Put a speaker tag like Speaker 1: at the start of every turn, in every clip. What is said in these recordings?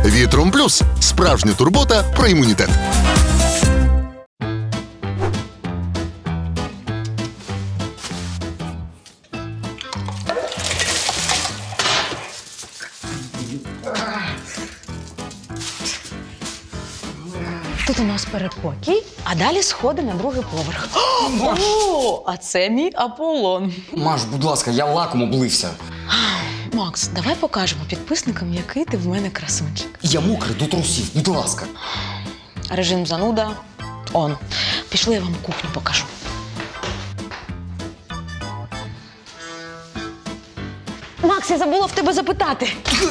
Speaker 1: Вітром Плюс – справжня турбота про імунітет.
Speaker 2: Тут у нас передпокій, а далі сходи на другий поверх. О, а це мій Аполлон.
Speaker 3: Маш, будь ласка, я лаком облився.
Speaker 2: Макс, давай покажемо підписникам, який ти в мене красунчик.
Speaker 3: Я мокрий до трусів, будь ласка.
Speaker 2: Режим зануда он. Пішли, я вам кухню покажу. Макс, я забула в тебе запитати.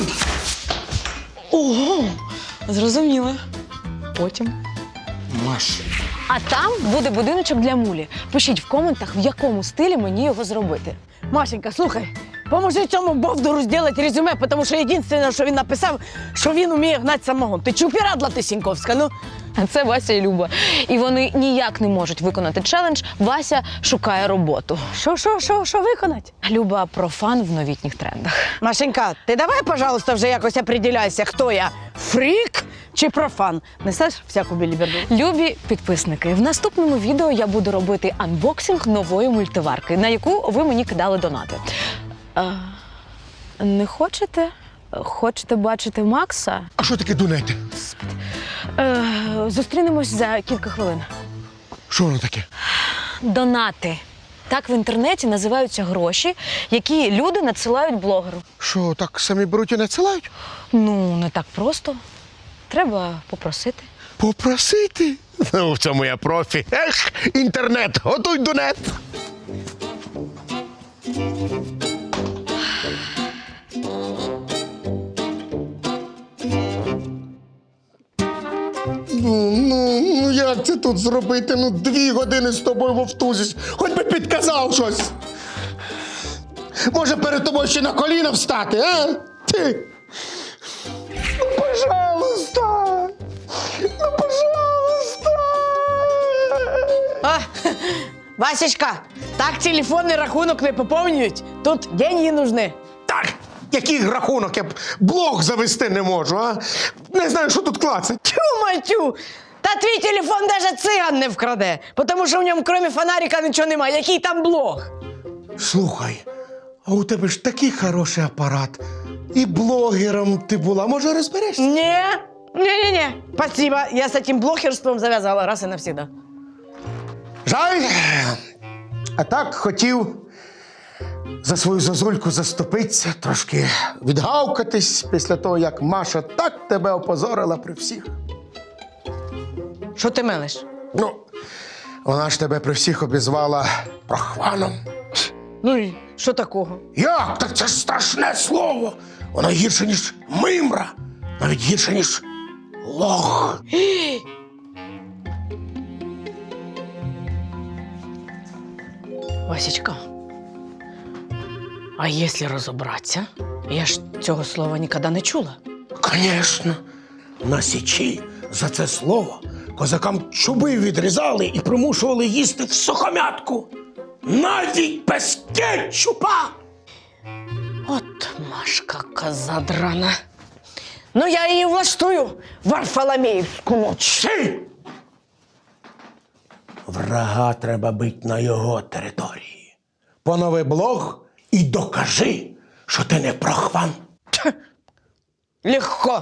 Speaker 2: Ого, зрозуміла. Потім.
Speaker 3: Маш.
Speaker 2: А там буде будиночок для мулі. Пишіть в коментах, в якому стилі мені його зробити.
Speaker 4: Машенька, слухай, поможи цьому бовдуру зробити резюме, тому що єдине, що він написав, що він вміє гнати самогон. Ти чупірадла ти, Сіньковська, ну?
Speaker 2: А це Вася і Люба. І вони ніяк не можуть виконати челендж «Вася шукає роботу».
Speaker 4: Що виконати?
Speaker 2: Люба профан в новітніх трендах.
Speaker 4: Машенька, ти давай, пожалуйста, вже якось определяйся, хто я, фрік чи профан. Несеш всяку біліберду?
Speaker 2: Любі підписники, в наступному відео я буду робити анбоксинг нової мультиварки, на яку ви мені кидали донати. Не хочете? Хочете бачити Макса?
Speaker 5: А що таке донати?
Speaker 2: Зустрінемось за кілька хвилин.
Speaker 5: Що воно таке?
Speaker 2: Донати. Так в інтернеті називаються гроші, які люди надсилають блогеру.
Speaker 5: Що, так самі беруть і надсилають?
Speaker 2: Ну, не так просто. Треба попросити.
Speaker 5: Попросити? Ну, в цьому я профі. Ех, інтернет, готуй донет. Ну, як це тут зробити? Ну, 2 години з тобою вовтузись. Хоч би підказав щось. Може, перед тобою ще на коліна встати, а? Ти? Ну, пожалуйста. Ну, пожалуйста.
Speaker 4: А, Васечка, так телефонний рахунок не поповнюють. Тут деньги нужны.
Speaker 5: Так, який рахунок? Я б блог завести не можу, а? Не знаю, що тут клацать.
Speaker 4: Тю-матю! Та твій телефон навіть циган не вкраде, тому що в ньому, крім фонарика, нічого немає. Який там блог?
Speaker 5: Слухай, а у тебе ж такий хороший апарат. І блогером ти була. Може, розберешся?
Speaker 4: Не. Спасибо, я з цим блогерством зав'язала раз і навсегда.
Speaker 5: Жаль. А так хотів за свою зозульку заступитися, трошки відгавкатись після того, як Маша так тебе опозорила при всіх.
Speaker 4: Що ти мелиш?
Speaker 5: Ну, вона ж тебе при всіх обізвала прохваном.
Speaker 4: Ну і що такого?
Speaker 5: Як? Так це ж страшне слово. Воно гірше, ніж мимра. Навіть гірше, ніж лох.
Speaker 4: Васечка, а якщо розібратися, я ж цього слова ніколи не чула.
Speaker 5: Конечно. На Січі за це слово козакам чуби відрізали і примушували їсти в сухомятку. Навіть без кетчупа.
Speaker 4: От Машка козадрана. Ну, я її влаштую, Варфоломіївську ніч.
Speaker 5: Ти! Врага треба бити на його території. Понови блог і докажи, що ти не прохван.
Speaker 4: Легко.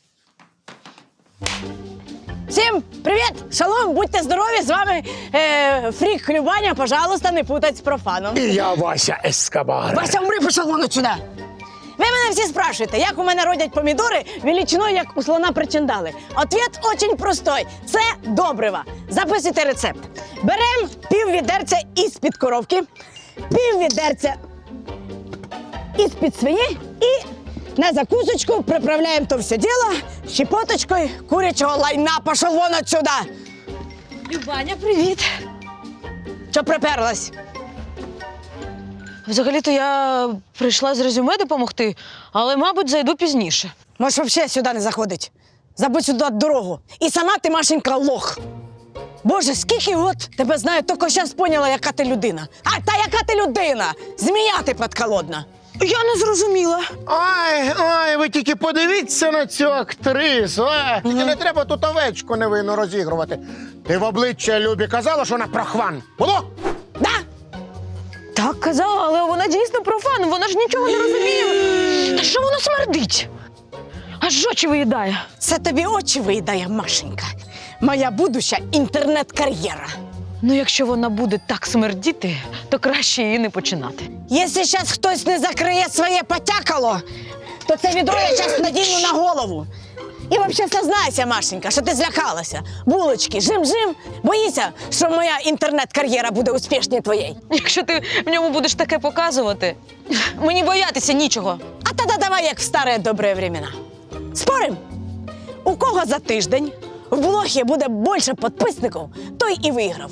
Speaker 4: Всім привіт! Шалом, будьте здорові, з вами Фрік Любаня, пожалуйста, не путать з профаном.
Speaker 5: І я Вася Ескобар.
Speaker 4: Вася, умри, пішов вон отсюда. Ви мене всі спрашуєте, як у мене родять помідори величиною, як у слона причиндали. Ответ очень простой. Це добрива. Записуйте рецепт. Беремо пів відерця із-під коровки, пів відерця із-під свині і на закусочку приправляємо то все діло щепоточкою курячого лайна. Пішов вон отсюда.
Speaker 2: Любаня, привіт!
Speaker 4: Що приперлась?
Speaker 2: Взагалі-то я прийшла з резюме допомогти, але, мабуть, зайду пізніше.
Speaker 4: Можеш взагалі сюди не заходить. Забудь сюди дорогу. І сама ти, Машенька, лох. Боже, скільки от тебе знаю, тільки зараз поняла, яка ти людина. А та яка ти людина? Змія ти подколодна. Я не зрозуміла.
Speaker 5: Ой, ви тільки подивіться на цю актрису. Тільки не треба тут овечку невинно розігрувати. Ти в обличчя Любі казала, що вона прохван. Було?
Speaker 4: Да?
Speaker 2: Так казала, але вона дійсно профан, вона ж нічого не розуміє. Та що воно смердить? Аж очі виїдає.
Speaker 4: Це тобі очі виїдає, Машенька. Моя будуща інтернет-кар'єра.
Speaker 2: Ну, якщо вона буде так смердіти, то краще її не починати.
Speaker 4: Якщо зараз хтось не закриє своє потякало, то це відро я зараз надіну на голову. І взагалі сознайся, Машенька, що ти злякалася. Булочки, жим-жим. Боїся, що моя інтернет-кар'єра буде успішніше твоєї.
Speaker 2: Якщо ти в ньому будеш таке показувати, мені боятися нічого.
Speaker 4: А тоді давай, як в старі добрі времена. Спорим? У кого за тиждень в блогі буде більше підписників, той і виграв.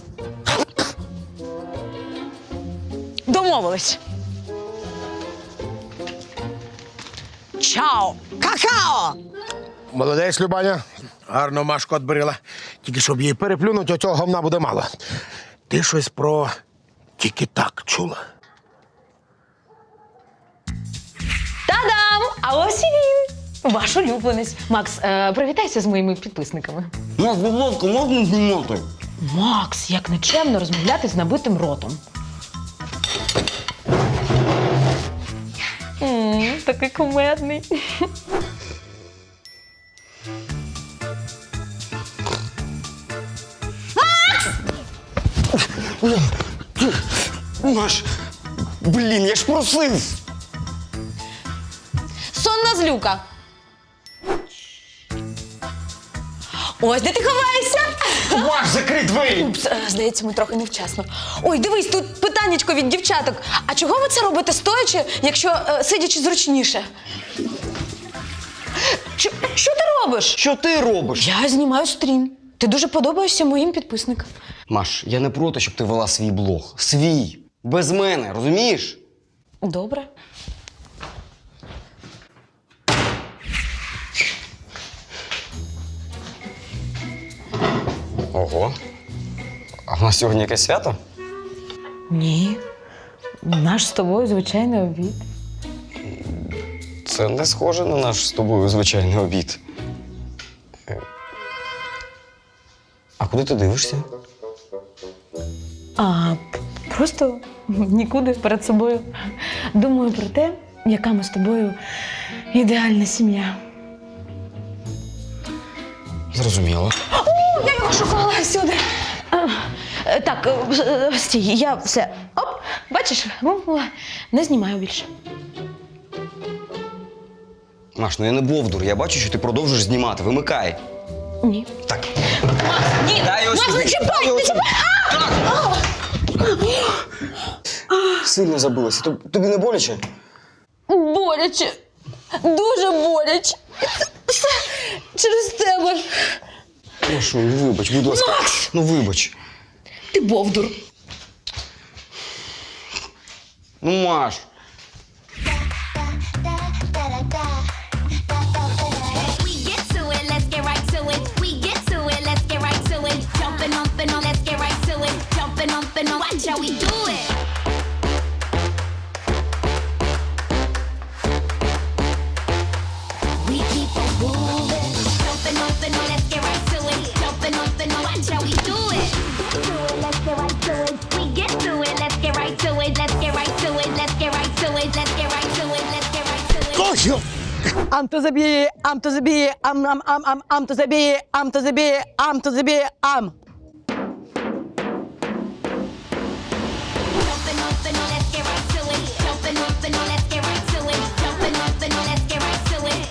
Speaker 2: Домовились.
Speaker 4: Чао! Какао!
Speaker 5: Молодець, Любаня. Гарно Машку отбрила. Тільки щоб її переплюнути, оцього говна буде мало. Ти щось про тільки так чула?
Speaker 2: Та-дам! А ось і він! Ваш улюбленець. Макс, привітайся з моїми підписниками.
Speaker 3: Нас, будь ласка, можна знімати?
Speaker 2: Макс, як нечемно розмовляти з набитим ротом. Такий кумедний.
Speaker 3: Маш, блін, я ж просив.
Speaker 2: Сонна злюка. Ось де ти ховаєшся?
Speaker 3: Маш, закрий двері!
Speaker 2: Упс, здається, ми трохи невчасно. Ой, дивись, тут питаннячко від дівчаток. А чого ви це робите стоячи, якщо сидячи зручніше? Що ти робиш?
Speaker 3: Що ти робиш?
Speaker 2: Я знімаю стрім. Ти дуже подобаєшся моїм підписникам.
Speaker 3: Маш, я не проти, щоб ти вела свій блог. Свій. Без мене, розумієш?
Speaker 2: Добре.
Speaker 3: Ого. А в нас сьогодні якесь свято?
Speaker 2: Ні. Наш з тобою звичайний обід.
Speaker 3: Це не схоже на наш з тобою звичайний обід. А куди ти дивишся?
Speaker 2: Просто нікуди перед собою. Думаю про те, яка ми з тобою ідеальна сім'я.
Speaker 3: Зрозуміло.
Speaker 2: Я його шукала всюди. Так, стій, я все. Оп, бачиш, не знімаю більше.
Speaker 3: Маш, ну я не бовдур, я бачу, що ти продовжуєш знімати. Вимикай.
Speaker 2: Ні.
Speaker 3: Так.
Speaker 2: Ні,
Speaker 3: Дай його сюди.
Speaker 2: не чіпай, не чіпай!
Speaker 3: Сильно забилася. Тобі не боляче?
Speaker 2: Боляче. Дуже боляче. Все через тебе.
Speaker 3: Прошу, ну вибач, будь ласка.
Speaker 2: Макс!
Speaker 3: Ну вибач.
Speaker 2: Ти бовдур.
Speaker 3: Ну, Маш.
Speaker 6: We get to it, let's get right to it. We get to it, let's get right to it. Jumping up and on, let's get right to it. Jumping up and on, watch how we do it. We keep on moving. Jumping up and on, let's get right to it. Jumping up and on, watch how we do it. Do it, let's get right to it. We get to it, let's get right to it. Let's get right to it, let's get right to it. Let's get right to it, let's get right to it.
Speaker 5: Косю!
Speaker 4: Ам то забі, ам то забі, ам то забі, ам то забі, ам то забі, ам.
Speaker 6: Jumping up and on, let's get right to it. Jumping up and on, let's get right to it. Jumping up and on, let's get right to it.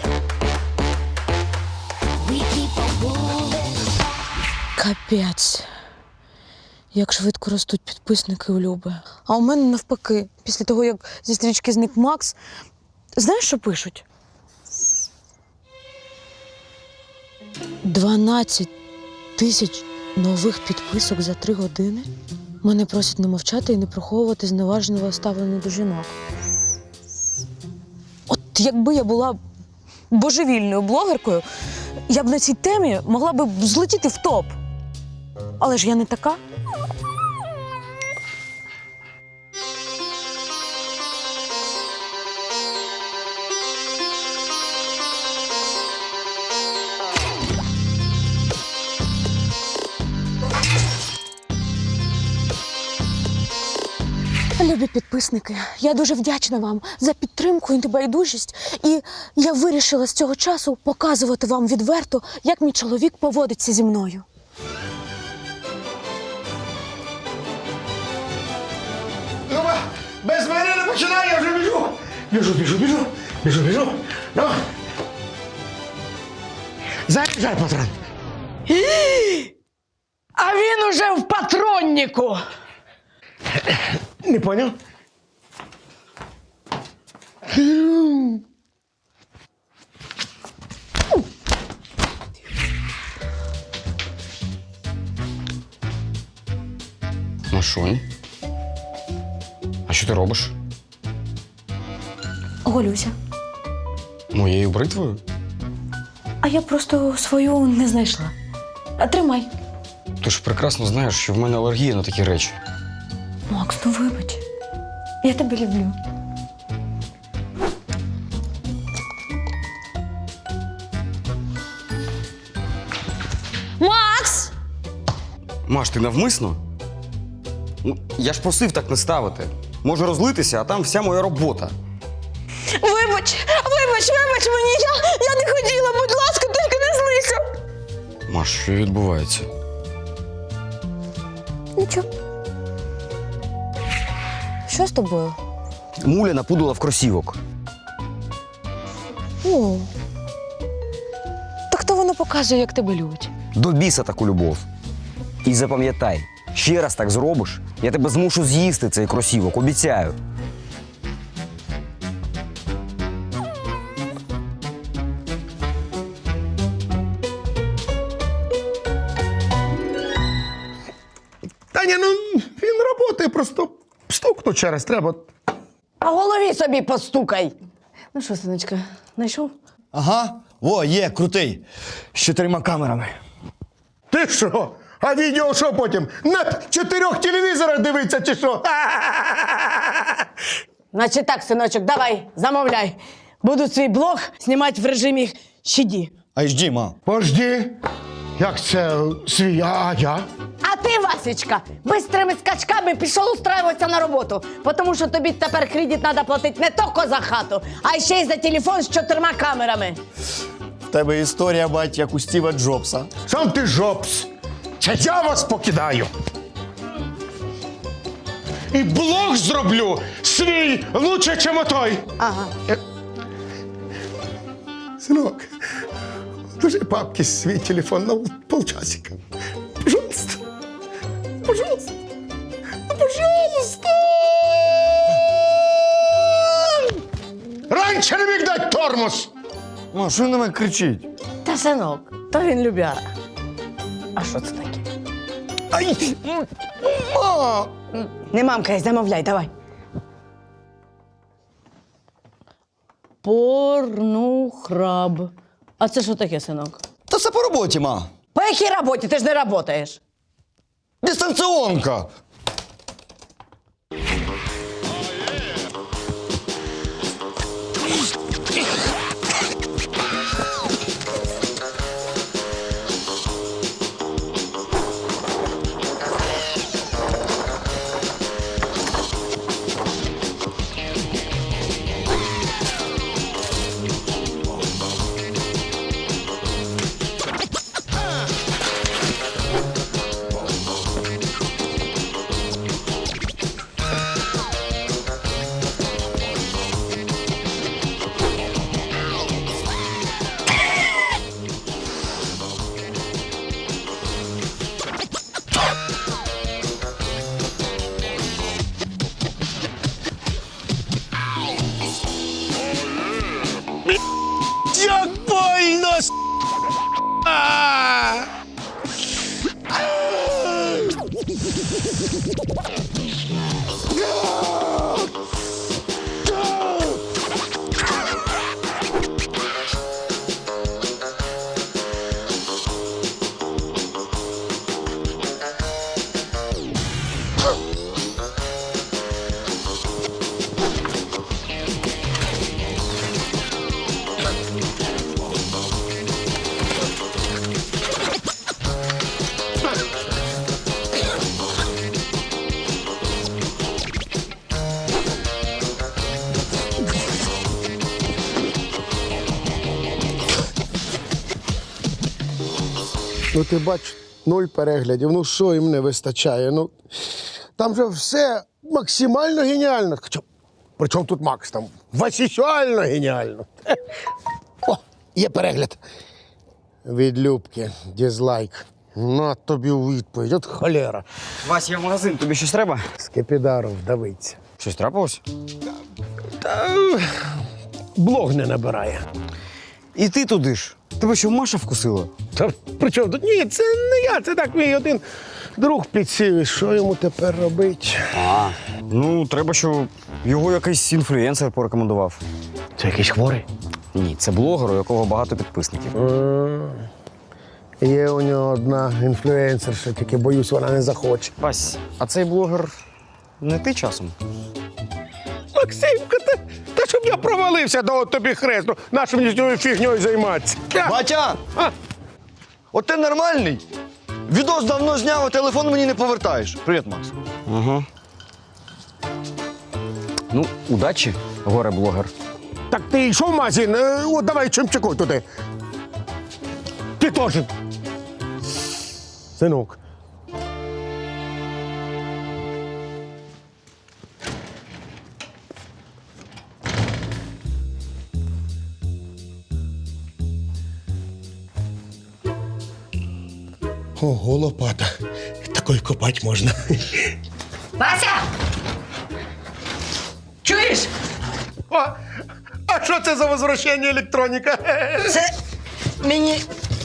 Speaker 6: We keep on moving.
Speaker 2: Капець. Як швидко ростуть підписники у Люби. А у мене навпаки. Після того, як зі стрічки зник Макс, знаєш, що пишуть? 12 тисяч нових підписок за 3 години. Мене просять не мовчати і не приховувати зневажливе ставлення до жінок. От якби я була божевільною блогеркою, я б на цій темі могла б злетіти в топ. Але ж я не така. Любі підписники, я дуже вдячна вам за підтримку і небайдужість. І я вирішила з цього часу показувати вам відверто, як мій чоловік поводиться зі мною.
Speaker 5: Люба, без мене не починай, я вже біжу. Біжу. Давай. Заряджай, патрон.
Speaker 4: А він уже в патроннику.
Speaker 5: Не понял?
Speaker 3: Машунь. А що ти робиш?
Speaker 2: Голюся.
Speaker 3: Моєю бритвою?
Speaker 2: А я просто свою не знайшла. А тримай.
Speaker 3: Ти ж прекрасно знаєш, що в мене алергія на такі речі.
Speaker 2: Макс, ну вибач. Я тебе люблю. Макс!
Speaker 3: Маш, ти навмисно? Ну, я ж просив так не ставити. Може розлитися, а там вся моя робота.
Speaker 2: Вибач мені, я не хотіла, будь ласка, тільки не злися.
Speaker 3: Маш, що відбувається?
Speaker 2: Нічого. Що з тобою?
Speaker 3: Муля напудила в кросівок.
Speaker 2: О. Так то воно показує, як тебе любить.
Speaker 3: До біса таку любов. І запам'ятай, ще раз так зробиш, я тебе змушу з'їсти цей кросівок, обіцяю.
Speaker 5: Таня, ну він працює, просто стукнуть через треба.
Speaker 4: А голові собі постукай. Ну що, синочка, знайшов?
Speaker 7: Ага, во, є, крутий. З 4 камерами.
Speaker 5: Ти що? А відео що потім? На 4 телевізорах дивиться чи що?
Speaker 4: Значить так, синочок, давай, замовляй. Буду свій блог знімати в режимі щаді.
Speaker 7: HD, ма.
Speaker 5: Пожди. Як це свій, а я?
Speaker 4: А ти, Васечка, бистрими скачками пішов устраиватися на роботу, тому що тобі тепер кредит треба платити не тільки за хату, а ще й за телефон з 4 камерами.
Speaker 7: В тебе історія, бать, як у Стіва Джобса.
Speaker 5: Сам ти жопс. Це я вас покидаю. І блог зроблю свій лучше, чим отой.
Speaker 4: Ага.
Speaker 5: Синок, ложи папки свій телефон на полчасика. Пожалуйста. Пожалуйста. Ну, пожалуйста. Раніше не міг дати тормоз.
Speaker 7: Ма, що він на мене кричить?
Speaker 4: Та, синок, то він любяра. А що це таке?
Speaker 7: Ай! Ма!
Speaker 4: Не мамкай, замовляй, давай. Порнухраб. А це що таке, синок?
Speaker 7: Та це по роботі, ма.
Speaker 4: По якій роботі? Ти ж не працюєш.
Speaker 7: Дистанціонка.
Speaker 5: Ну ти бач, 0 переглядів. Ну що їм не вистачає? Ну, там же все максимально геніально. Причому тут Макс? Там васісюально геніально. О, є перегляд. Від Любки. Дізлайк. На тобі у відповідь. От холера.
Speaker 3: Вась, я в магазин, тобі щось треба?
Speaker 5: Скипідаров вдавиться.
Speaker 3: Щось трапилось?
Speaker 5: Блог не набирає.
Speaker 3: І ти туди ж. Тебе що, Маша вкусила?
Speaker 5: Та при чому тут? Ні, це не я, це так мій один друг підсів. І що йому тепер робити?
Speaker 3: Ну, треба, щоб його якийсь інфлюенсер порекомендував.
Speaker 5: Це якийсь хворий?
Speaker 3: Ні, це блогер, у якого багато підписників.
Speaker 5: Є у нього одна інфлюенсерша, тільки боюсь, вона не захоче.
Speaker 3: Вась, а цей блогер не ти часом?
Speaker 5: Максимка, та щоб я провалився до тобі хресту, нашу мені з цією фігньою займатися.
Speaker 7: Батя! От ти нормальний? Відос давно зняв, а телефон мені не повертаєш. Привіт, Макс.
Speaker 3: Ага. Ну, удачі, горе-блогер.
Speaker 5: Так ти йшов в магазин? От давай чимчику туди. Ти теж. Синок. Ого, лопата. Такою копати можна.
Speaker 4: Вася! Чуєш?
Speaker 5: О, а що це за возвращення електроніка?
Speaker 4: Це мені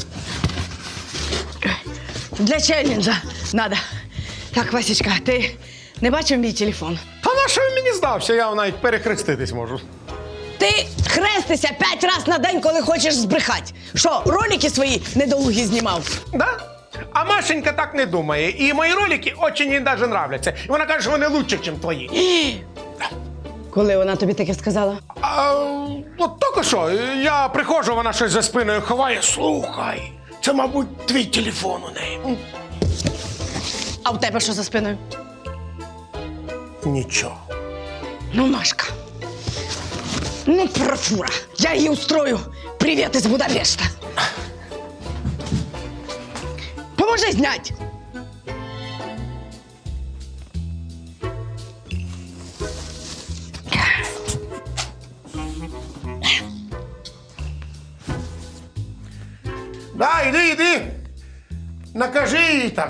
Speaker 4: для челленджа надо. Так, Васечка, ти не бачив мій телефон?
Speaker 5: Та на що він мені здався? Я навіть перехреститись можу.
Speaker 4: Ти хрестися 5 разів на день, коли хочеш збрехати. Що, ролики свої недолугі знімав?
Speaker 5: Да? А Машенька так не думає. І мої ролики очень їй даже нравляться. І вона каже, що вони лучше, ніж твої.
Speaker 4: Коли вона тобі таке сказала?
Speaker 5: А, от тільки що, я приходжу, вона щось за спиною ховає. Слухай, це, мабуть, твій телефон у неї.
Speaker 4: А в тебе що за спиною?
Speaker 5: Нічого.
Speaker 4: Ну, Машка. Ну, профура. Я їй устрою. Привіт із Будапешта. Поможи знять.
Speaker 5: Да, іди. Накажи їй там.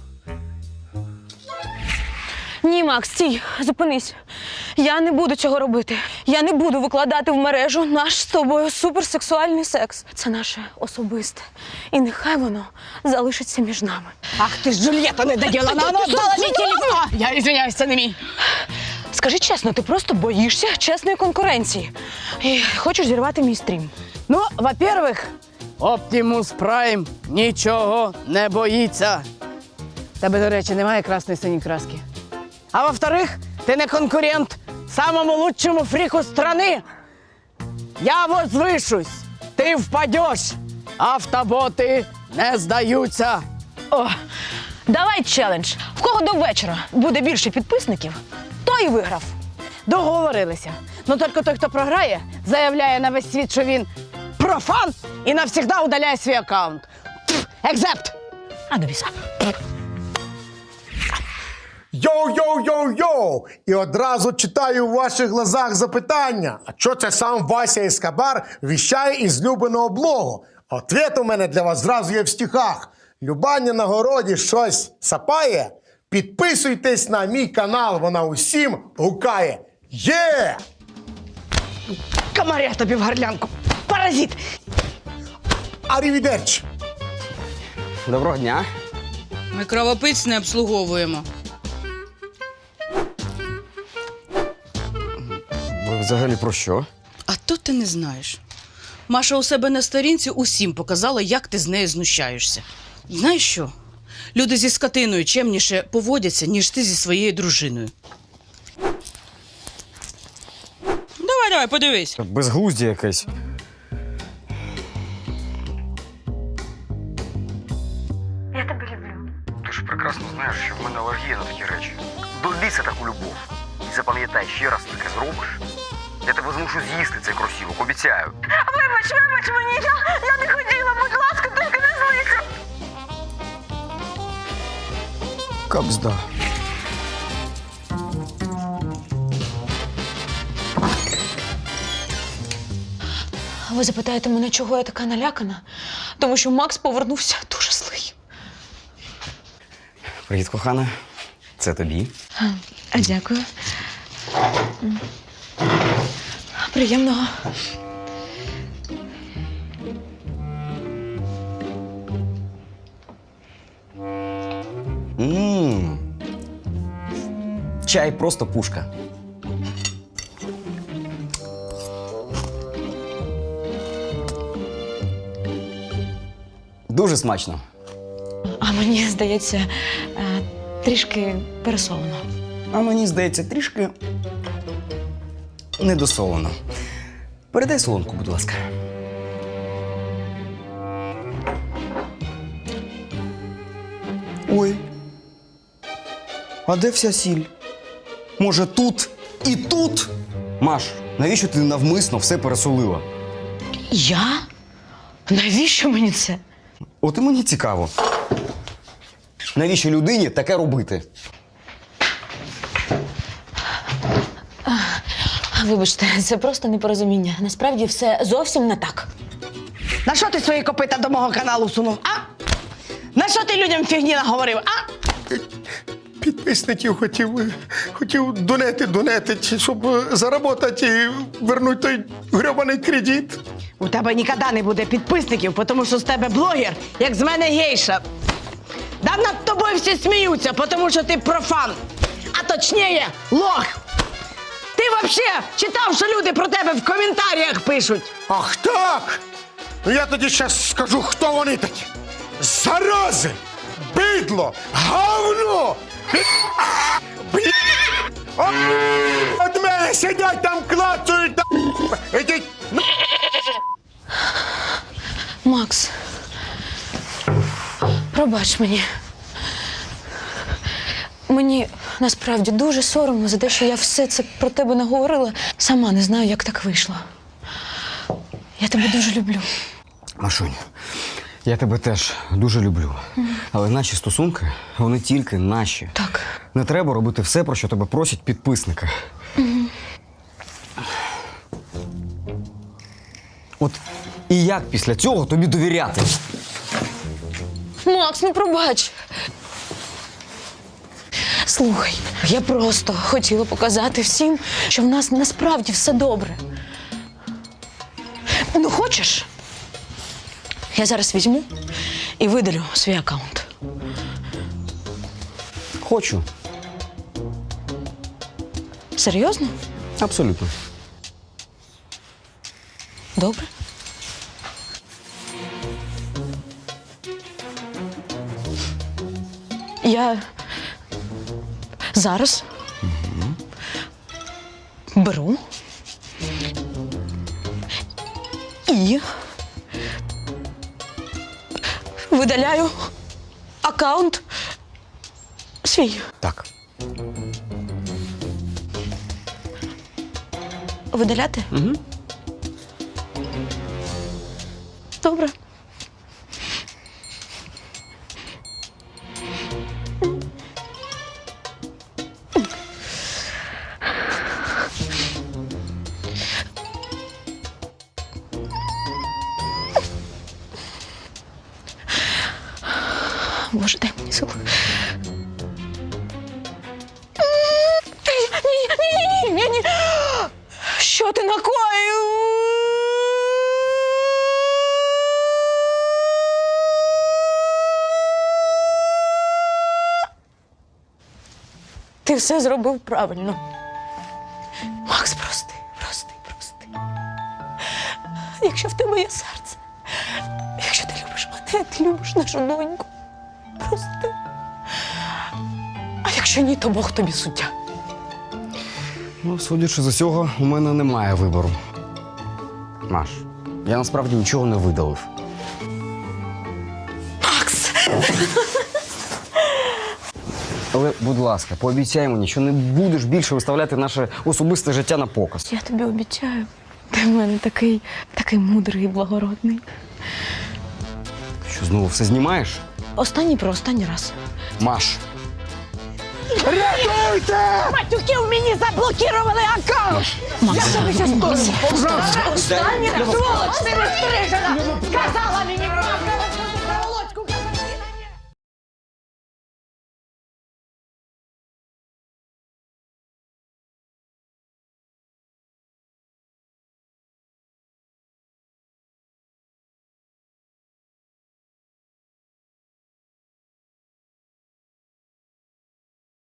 Speaker 2: Ні, Макс, стій, зупинись. Я не буду цього робити. Я не буду викладати в мережу наш з тобою суперсексуальний секс. Це наше особисте. І нехай воно залишиться між нами.
Speaker 4: Ах ти ж, Джульєта недоділана, вона отдала мій телефон. Я извиняюсь, це не мій.
Speaker 2: Скажи чесно, ти просто боїшся чесної конкуренції. І хочеш зірвати мій стрім.
Speaker 4: Ну, во-первых, Optimus Prime нічого не боїться. Тебе, до речі, немає красної синій краски. А во-вторых, ти не конкурент самому лучшему фріку страны. Я возвишусь, ти впадеш, автоботи не здаються.
Speaker 2: О, давай челендж. В кого до вечора буде більше підписників, той і виграв.
Speaker 4: Договорилися. Ну тільки той, хто програє, заявляє на весь світ, що він профан і навсігда удаляє свій аккаунт. Екзепт!
Speaker 2: А до біса.
Speaker 5: Йоу! І одразу читаю в ваших глазах запитання. А що це сам Вася Ескобар віщає із любиного блогу? Ответ у мене для вас зразу є в стихах. Любаня на городі щось сапає? Підписуйтесь на мій канал, вона усім гукає. Є!
Speaker 4: Комаря тобі в горлянку. Паразит!
Speaker 5: Арівідерчі!
Speaker 3: Доброго дня.
Speaker 8: Ми кровопивць не обслуговуємо.
Speaker 3: Ви взагалі про що?
Speaker 8: А то ти не знаєш. Маша у себе на сторінці усім показала, як ти з нею знущаєшся. Знаєш що? Люди зі скотиною чемніше поводяться, ніж ти зі своєю дружиною. Давай, подивись.
Speaker 3: Безглуздя якесь.
Speaker 9: Ти ж прекрасно знаєш, що в мене алергія на такі речі. До ліса таку любов. І запам'ятай, ще раз таке зробиш, я тебе змушу з'їсти цей кросівок, обіцяю.
Speaker 2: Вибач мені, я не хотіла, будь ласка, тільки не злися.
Speaker 3: Кабзда.
Speaker 2: Ви запитаєте мене, чого я така налякана? Тому що Макс повернувся дуже злий.
Speaker 3: Привіт, кохана. Це тобі.
Speaker 2: Дякую. Приємного.
Speaker 3: Ммм. Чай просто пушка. Дуже смачно.
Speaker 2: А мені здається, трішки пересолено.
Speaker 3: А мені здається, трішки недосолено. Передай солонку, будь ласка. Ой. А де вся сіль? Може, тут і тут? Маш, навіщо ти навмисно все пересолила?
Speaker 2: Я? Навіщо мені це?
Speaker 3: От і мені цікаво. Навіщо людині таке робити?
Speaker 2: Вибачте, це просто непорозуміння. Насправді все зовсім не так.
Speaker 4: На що ти свої копита до мого каналу всунув, а? На що ти людям фігні наговорив, а?
Speaker 5: Підписників хотів донетити, щоб заробити і вернути той гребаний кредит.
Speaker 4: У тебе ніколи не буде підписників, тому що з тебе блогер, як з мене гейша. Да над тобою всі сміються, тому що ти профан. А точніше, лох. Ти взагалі читав, що люди про тебе в коментарях пишуть?
Speaker 5: Ах так! Ну я тоді зараз скажу, хто вони такі. Зарази! Бидло! Говно! От мене сидять там, клацають! Ідіть!
Speaker 2: Макс, пробач мені. Мені насправді дуже соромно за те, що я все це про тебе наговорила. Сама не знаю, як так вийшло. Я тебе дуже люблю.
Speaker 3: Машунь, я тебе теж дуже люблю. Але наші стосунки, вони тільки наші.
Speaker 2: Так.
Speaker 3: Не треба робити все, про що тебе просять підписники. От і як після цього тобі довіряти?
Speaker 2: Макс, ну пробач. Слухай, я просто хотіла показати всім, що в нас насправді все добре. Ну, хочеш? Я зараз візьму і видалю свій аккаунт.
Speaker 3: Хочу.
Speaker 2: Серйозно?
Speaker 3: Абсолютно.
Speaker 2: Добре. Я зараз беру і видаляю аккаунт свій.
Speaker 3: Так.
Speaker 2: Видаляти?
Speaker 3: Угу.
Speaker 2: Добре. Боже, дай мені сил. Ні. Що ти накоїв? Ти все зробив правильно. Макс, прости. Якщо в тебе є серце, якщо ти любиш мене, ти любиш нашу доньку. Прости. А якщо ні, то Бог тобі суддя.
Speaker 3: Ну, судячи з усього, у мене немає вибору. Маш, я насправді нічого не видалив.
Speaker 2: Макс!
Speaker 3: Але, будь ласка, пообіцяй мені, що не будеш більше виставляти наше особисте життя на показ.
Speaker 2: Я тобі обіцяю. Ти в мене такий мудрий і благородний.
Speaker 3: Що, знову все знімаєш?
Speaker 2: Останній раз.
Speaker 3: Маш,
Speaker 5: Рятуйте!
Speaker 4: Матюків мені заблокували аккаунт! Я тобі щас скажу! Остання сволоч, ти не стрижена! Сказала мені правду!